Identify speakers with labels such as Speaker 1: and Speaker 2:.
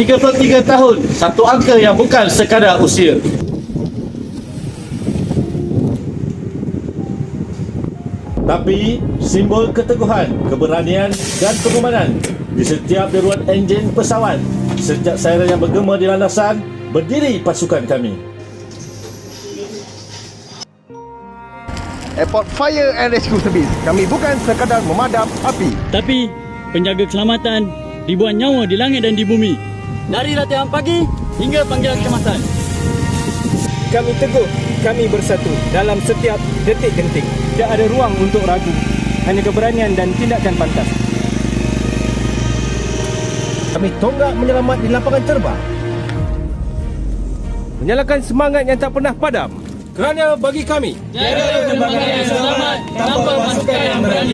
Speaker 1: 33 tahun, satu angka yang bukan sekadar usia. Tapi simbol keteguhan, keberanian dan pengemanan di setiap deruan enjin pesawat. Sejak siren yang bergema di landasan, berdiri pasukan kami.
Speaker 2: Airport Fire and Rescue Service. Kami bukan sekadar memadam api,
Speaker 3: tapi penjaga keselamatan ribuan nyawa di langit dan di bumi. Dari latihan pagi hingga panggilan kecemasan.
Speaker 4: Kami teguh, kami bersatu dalam setiap detik genting. Tidak ada ruang untuk ragu, hanya keberanian dan tindakan pantas.
Speaker 2: kami tonggak menyelamat di lapangan terbang,
Speaker 4: Menyalakan semangat yang tak pernah padam. Kerana bagi kami,
Speaker 3: Tiada penerbangan yang selamat tanpa pasukan yang berani.